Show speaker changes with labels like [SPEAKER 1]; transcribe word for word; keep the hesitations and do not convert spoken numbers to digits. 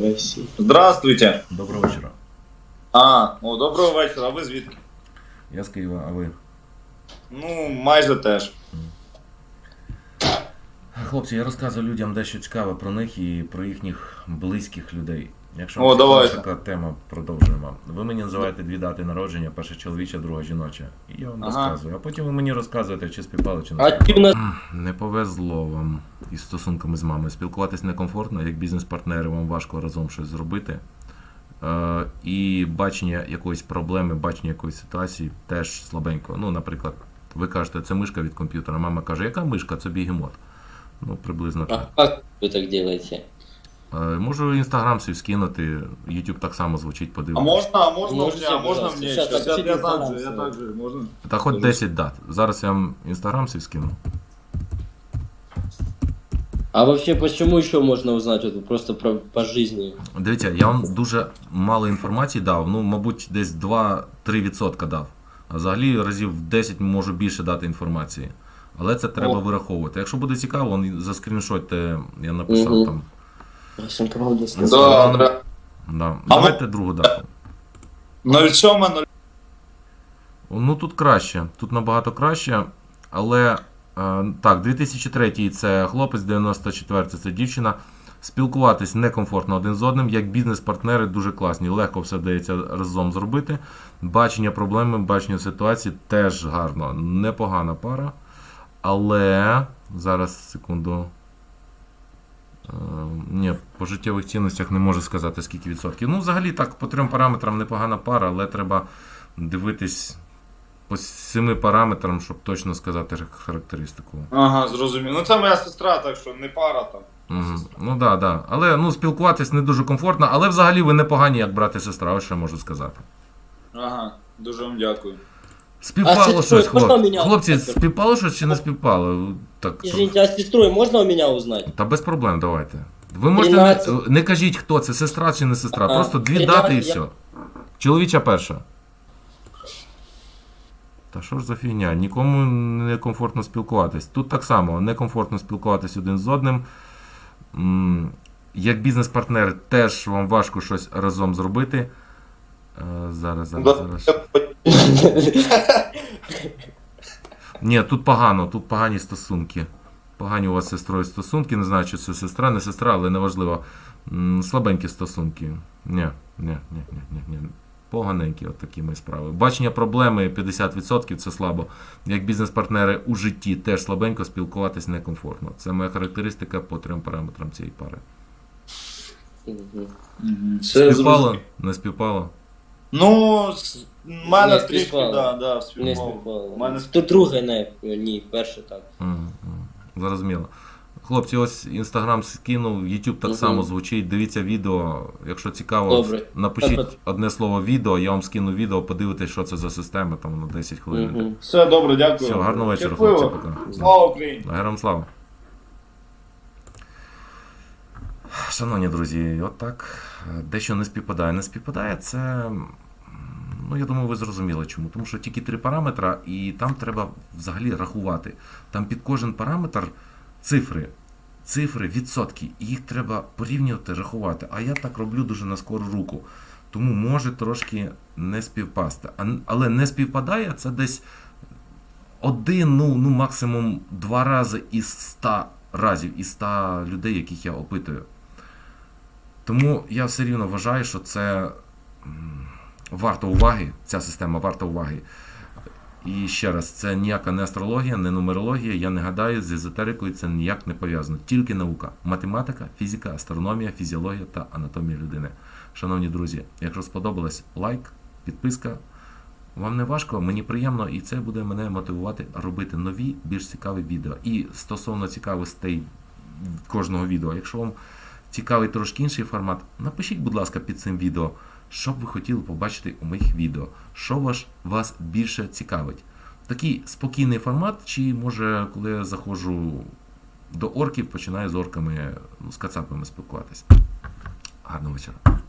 [SPEAKER 1] России.
[SPEAKER 2] Здравствуйте.
[SPEAKER 3] Доброго вечора.
[SPEAKER 2] А, о, доброго вечора. А ви звідки?
[SPEAKER 3] Я з Києва, а ви?
[SPEAKER 2] Ну, майже теж.
[SPEAKER 3] Хлопці, я розказую людям дещо цікаве про них і про їхніх близьких людей. Якщо
[SPEAKER 2] О,
[SPEAKER 3] вам цікава
[SPEAKER 2] давайте.
[SPEAKER 3] така тема, продовжуємо. Ви мені називаєте дві дати народження, перша чоловіча, друга жіноча. І я вам
[SPEAKER 2] Ага.
[SPEAKER 3] розказую. А потім ви мені розказуєте, чи співпало, чи не
[SPEAKER 1] А
[SPEAKER 3] співпало.
[SPEAKER 1] ти в нас
[SPEAKER 3] Не повезло вам із стосунками з мамою. Спілкуватись некомфортно, як бізнес-партнери вам важко разом щось зробити. Е, і бачення якоїсь проблеми, бачення якоїсь ситуації теж слабенько. Ну, наприклад, ви кажете, це мишка від комп'ютера. Мама каже, яка мишка? Це бігемот. Ну, приблизно
[SPEAKER 1] а
[SPEAKER 3] так.
[SPEAKER 1] как вы так делаете?
[SPEAKER 3] Е, можу інстаграм свій скинути, YouTube так само звучить,
[SPEAKER 2] А
[SPEAKER 3] подивитися.
[SPEAKER 2] можна, а можна
[SPEAKER 1] Можете,
[SPEAKER 2] мне, а можна
[SPEAKER 1] пожалуйста.
[SPEAKER 2] мне?
[SPEAKER 1] Щас,
[SPEAKER 2] Щас, я,
[SPEAKER 1] напишіть
[SPEAKER 2] я так
[SPEAKER 1] інформацію.
[SPEAKER 2] же, я так же, можна?
[SPEAKER 3] Та хоч десять дат. Зараз я вам інстаграм свій скину.
[SPEAKER 1] А вообще, почему еще можно узнать вот просто про, по жизни?
[SPEAKER 3] Дивіться, я вам дуже мало інформації дав, ну, мабуть, десь два-три відсотка дав. А взагалі разів десять можу більше дати інформації. Але це треба
[SPEAKER 2] О.
[SPEAKER 3] вираховувати. Якщо буде цікаво, вон заскріншотьте, я написав
[SPEAKER 1] Мгм.
[SPEAKER 3] там.
[SPEAKER 1] Всем правда
[SPEAKER 2] Да, да.
[SPEAKER 3] Да. Давайте другу дату.
[SPEAKER 2] нуль сім нуль.
[SPEAKER 3] Ну тут краще, тут набагато краще, але е, так, дві тисячі третій це хлопець, дев'яносто четвертий це дівчина. Спілкуватись некомфортно один з одним, як бізнес-партнери дуже класні, легко все вдається разом зробити. Бачення проблеми, бачення ситуації теж гарно, непогана пара. Але зараз, секунду. Е, ні, по життєвих цінностях не можу сказати, скільки відсотків. Ну, взагалі так, по трьом параметрам непогана пара, але треба дивитись по семи параметрам, щоб точно сказати характеристику.
[SPEAKER 2] Ага, зрозумів. Ну це моя сестра, так що не пара там.
[SPEAKER 3] Угу. Ну да, да. Але ну, спілкуватись не дуже комфортно, але взагалі ви непогані, як брат і сестра, ось що можу сказати.
[SPEAKER 2] Ага, дуже вам дякую.
[SPEAKER 3] Співпало
[SPEAKER 1] А сестрою
[SPEAKER 3] щось,
[SPEAKER 1] можна
[SPEAKER 3] хлоп...
[SPEAKER 1] мене
[SPEAKER 3] хлопці,
[SPEAKER 1] узнати?
[SPEAKER 3] співпало щось чи не співпало? Так,
[SPEAKER 1] Извините, а с сестрой можно у меня узнать?
[SPEAKER 3] та без проблем, давайте. Ви можете
[SPEAKER 1] тринадцять.
[SPEAKER 3] не, не кажіть, хто це, сестра чи не сестра,
[SPEAKER 1] Ага.
[SPEAKER 3] просто дві
[SPEAKER 1] тринадцять
[SPEAKER 3] дати і
[SPEAKER 1] я-
[SPEAKER 3] все. Чоловіча перша. Та що ж за фігня? Нікому не комфортно спілкуватись. Тут так само, некомфортно спілкуватись один з одним. М, Як бізнес-партнер теж вам важко щось разом зробити. Е, Зараз, зараз, зараз. Ні, тут погано, тут погані стосунки. Погані у вас з сестрою стосунки, не знаю, чи це сестра, не сестра, але неважливо. М, Слабенькі стосунки. Ні, ні, ні, ні, ні, ні. Поганенькі от такі мої справи. Бачення проблеми п'ятдесят відсотків це слабо. Як бізнес-партнери у житті теж слабенько, спілкуватись некомфортно. Це моя характеристика по трьом параметрам цієї пари.
[SPEAKER 1] Мгм.
[SPEAKER 2] Мгм, все
[SPEAKER 3] Співпало?
[SPEAKER 2] зрозумів.
[SPEAKER 3] Не співпало?
[SPEAKER 2] Ну, с- в мене
[SPEAKER 1] Не
[SPEAKER 2] трішки,
[SPEAKER 1] співпало.
[SPEAKER 2] да, да,
[SPEAKER 1] Не
[SPEAKER 2] співпало.
[SPEAKER 1] співпало.
[SPEAKER 2] У мене
[SPEAKER 1] Тут друге не, ні, перше так.
[SPEAKER 3] Мгм, мгм. Зрозуміло. Хлопці, ось інстаграм скинув, YouTube так
[SPEAKER 1] Мгм.
[SPEAKER 3] само звучить. Дивіться відео. Якщо цікаво,
[SPEAKER 1] Добре.
[SPEAKER 3] напишіть
[SPEAKER 1] Добре.
[SPEAKER 3] одне слово відео, я вам скину відео, подивитесь, що це за система, там на десять хвилин.
[SPEAKER 1] Мгм.
[SPEAKER 2] Все, добре, дякую.
[SPEAKER 3] Все, гарного вечора,
[SPEAKER 2] Щасливо.
[SPEAKER 3] хлопці, пока.
[SPEAKER 2] Слава Україні!
[SPEAKER 3] Героям слава. Шановні друзі, от так, дещо не співпадає. Не співпадає, це, ну я думаю, ви зрозуміли чому. Тому що тільки три параметри, і там треба взагалі рахувати. Там під кожен параметр цифри, цифри, відсотки, і їх треба порівнювати, рахувати. А я так роблю дуже на скору руку. Тому може трошки не співпасти. А- Але не співпадає, це десь один, ну, ну максимум два рази із ста разів, із ста людей, яких я опитую. Тому я все рівно вважаю, що це м, варто уваги, ця система варта уваги. І ще раз, це ніяка не астрологія, не нумерологія, я не гадаю, з езотерикою це ніяк не пов'язано. Тільки наука. Математика, фізика, астрономія, фізіологія та анатомія людини. Шановні друзі, якщо сподобалось, лайк, підписка. Вам не важко, мені приємно, і це буде мене мотивувати робити нові, більш цікаві відео. І стосовно цікавостей кожного відео, якщо вам цікавий трошки інший формат, напишіть, будь ласка, під цим відео, що б ви хотіли побачити у моїх відео, що ваш, вас більше цікавить. Такий спокійний формат, чи може, коли я заходжу до орків, починаю з орками, ну, з кацапами спілкуватись. Гарного вечора.